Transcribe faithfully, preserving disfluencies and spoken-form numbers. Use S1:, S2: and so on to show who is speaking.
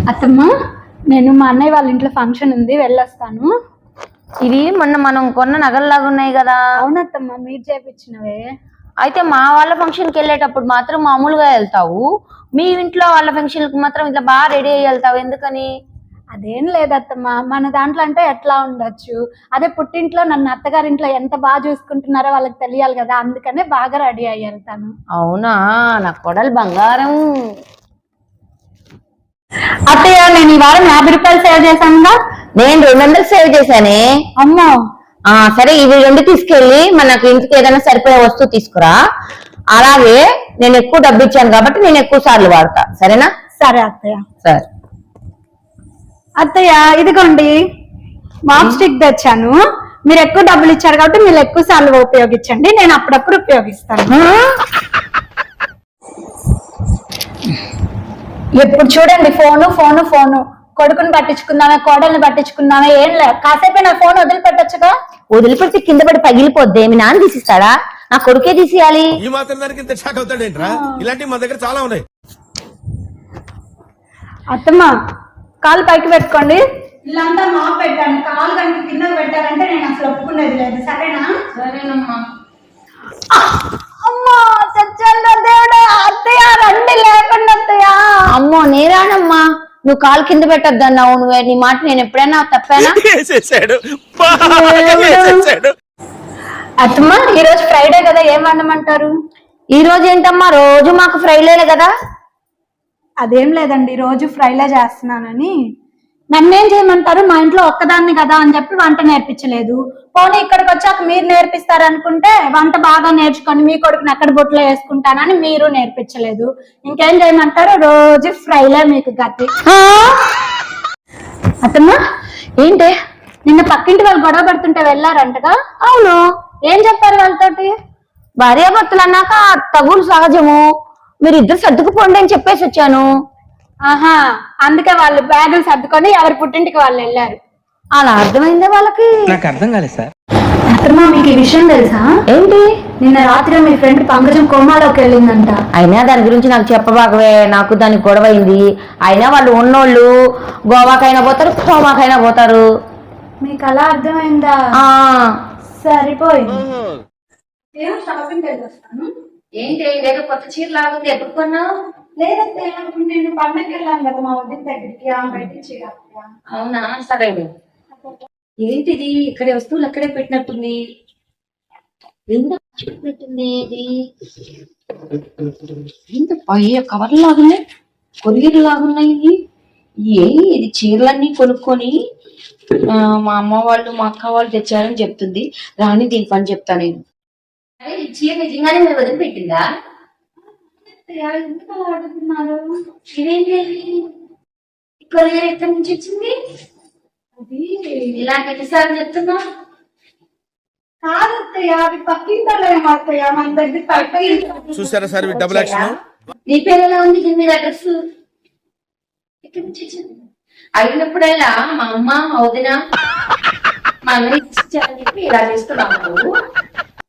S1: అత్తమ్మ, నేను మా అన్నయ్య వాళ్ళ ఇంట్లో ఫంక్షన్ ఉంది, వెళ్ళొస్తాను.
S2: ఇవి మొన్న మనం కొన్న నగల్లాగా ఉన్నాయి కదా?
S1: అవునత్తమ్మ, మీరు చేపించినవే.
S2: అయితే మా వాళ్ళ ఫంక్షన్ కి వెళ్ళేటప్పుడు మాత్రం మామూలుగా వెళ్తావు, మీ ఇంట్లో వాళ్ళ ఫంక్షన్ కి మాత్రం ఇట్లా బాగా రెడీ అయ్యి వెళ్తావు, ఎందుకని?
S1: అదేం లేదత్తమ్మ, మన దాంట్లో అంటే ఎట్లా ఉండొచ్చు, అదే పుట్టింట్లో నన్ను అత్తగారింట్లో ఎంత బాగా చూసుకుంటున్నారో వాళ్ళకి తెలియాలి కదా, అందుకనే బాగా రెడీ అయ్యి వెళ్తాను.
S2: అవునా, నా కొడలు బంగారం.
S1: అత్తయ్య, నేను ఈ వారం యాభై రూపాయలు సేవ్ చేశాను.
S2: నేను రెండు వందలు సేవ్ చేశానే.
S1: అమ్మో.
S2: ఆ సరే, ఇవి రెండు తీసుకెళ్ళి మనకు ఇంటికి ఏదైనా సరిపోయే వస్తువు తీసుకురా. అలాగే నేను ఎక్కువ డబ్బు ఇచ్చాను కాబట్టి నేను ఎక్కువ సార్లు వాడతా, సరేనా?
S1: సరే అత్తయ్య.
S2: సరే
S1: అత్తయ్య, ఇదిగోండి మాప్ స్టిక్ తెచ్చాను. మీరు ఎక్కువ డబ్బులు ఇచ్చారు కాబట్టి మీరు ఎక్కువ సార్లు ఉపయోగించండి, నేను అప్పుడప్పుడు ఉపయోగిస్తాను. ఎప్పుడు చూడండి ఫోను ఫోను ఫోను. కొడుకుని పట్టించుకుందామే, కోడల్ని పట్టించుకుందామే, ఏం లేదు. కాసేపు నా ఫోన్ వదిలిపెట్టొచ్చుగా.
S2: వదిలిపెడితే కింద పడి పగిలిపోద్ది, మీ నాన్న తీసిస్తాడా? నా కొడుకే తీసేయాలి.
S3: ఈ మాత్రం దానికి ఇంత షాక్ అవుతాడేంట్రా? ఇలాంటివి మా దగ్గర చాలా ఉన్నాయి.
S1: అత్తమ్మ, కాలు పైకి పెట్టుకోండి. ఇల్లంతా మాప్ పెట్టాను, కాలు కనుక కింద పెట్టారంటే నేను అసలు ఒప్పుకునేది లేదు, సరేనా?
S2: సరేనమ్మా.
S1: అమ్మా చచ్చండి దేవుడా. అత్తయ్య రండి, లేకుండా అత్తయ్య.
S2: అమ్మో నేరానమ్మా, నువ్వు కాలు కింద పెట్టద్దన్నావు. నువ్వే, నీ మాట నేను ఎప్పుడైనా తప్పానా?
S1: అత్తమ్మ, ఈ రోజు ఫ్రైడే కదా, ఏం వండమంటారు?
S2: ఈ రోజు ఏంటమ్మా, రోజు మాకు ఫ్రైలేలే కదా.
S1: అదేం లేదండి, రోజు ఫ్రైలే చేస్తున్నానని. నన్నేం చేయమంటారు? మా ఇంట్లో ఒక్కదాన్ని కదా అని చెప్పి వంట నేర్పించలేదు. పోనీ ఇక్కడికి వచ్చాక మీరు నేర్పిస్తారనుకుంటే వంట బాగా నేర్చుకొని మీ కొడుకుని అక్కడ బొట్లో వేసుకుంటానని మీరు నేర్పించలేదు. ఇంకేం చేయమంటారు? రోజు ఫ్రైలే మీకు గతి. అత్తమ్మ,
S2: ఏంటి
S1: నిన్న పక్కింటి వాళ్ళు గొడవ పడుతుంటే వెళ్ళారంటగా?
S2: అవును.
S1: ఏం చెప్పారు వాళ్ళతోటి?
S2: భార్యాభర్తలు అన్నాక తగులు సహజము, మీరు ఇద్దరు సర్దుకుపోండి అని చెప్పేసి వచ్చాను.
S1: ఆహా, అందుకే వాళ్ళు బ్యాగులు సర్దుకొని ఎవరి పుట్టింటికి వాళ్ళు వెళ్ళారు.
S2: అలా అర్థమైందే వాళ్ళకి?
S4: నాకు అర్థం కాలేదు సార్.
S1: అత్తమ్మ, మీకు ఈ విషయం తెలుసా?
S2: ఏంటి?
S1: నిన్న రాత్రి మీ ఫ్రెండ్ పంకజం కోమాలోకి వెళ్ళిందంట.
S2: అయినా దాని గురించి నాకు చెప్పబాగవే, నాకు దానికి గొడవ అయింది. అయినా వాళ్ళు ఉన్నోళ్ళు గోవాకైనా పోతారు, కోమాకైనా పోతారు.
S1: మీకు అలా అర్థమైందా?
S2: ఆ
S1: సరిపోయింది. ఏం షాపింగ్కి వెళ్ళొస్తాను.
S2: ఏంటి ఇదేదో కొత్త చీర లాగుంది, ఎప్పుడు కొన్నావు?
S1: లేదంటే నేను పండగకి వెళ్ళాను కదా మా వద్ద దగ్గరికి, ఆమె పెట్టించి.
S2: అవునా, సరే. ఏంటిది, ఇక్కడే వస్తువులు అక్కడే పెట్టినట్టుంది. పెట్టినట్టుంది ఇది. ఇంత పయ్య కవర్లు లాగున్నాయి, కొరియర్లు లాగున్నాయి. ఏ ఇది చీరలన్నీ కొనుక్కొని మా అమ్మ వాళ్ళు మా అక్క వాళ్ళు తెచ్చారని చెప్తుంది. రాని దీని పని చెప్తా నేను. ఈ చీర నిజంగానే మీరు వదిలిపెట్టిందా?
S1: ఎందుకు అలా అడుగుతున్నారు?
S2: ఇదేంటి, కొరియర్ ఎక్కడి నుంచి వచ్చింది?
S1: అది
S2: ఇలాంటి ఎన్నిసార్లు చెప్తున్నా?
S1: కాదత్తయ్య, అవి పక్కింటలేమో అత్తయ్య, మన దగ్గర.
S3: చూసారా సార్ డబుల్ యాక్షన్?
S2: నీ పేరు ఎలా ఉంది మీద అడ్రస్? ఎక్కడి నుంచి వచ్చింది? అయినప్పుడల్లా మా అమ్మ మా వదిన మా అన్నయ్య ఇచ్చారని చెప్పి ఇలా చేస్తున్నావు.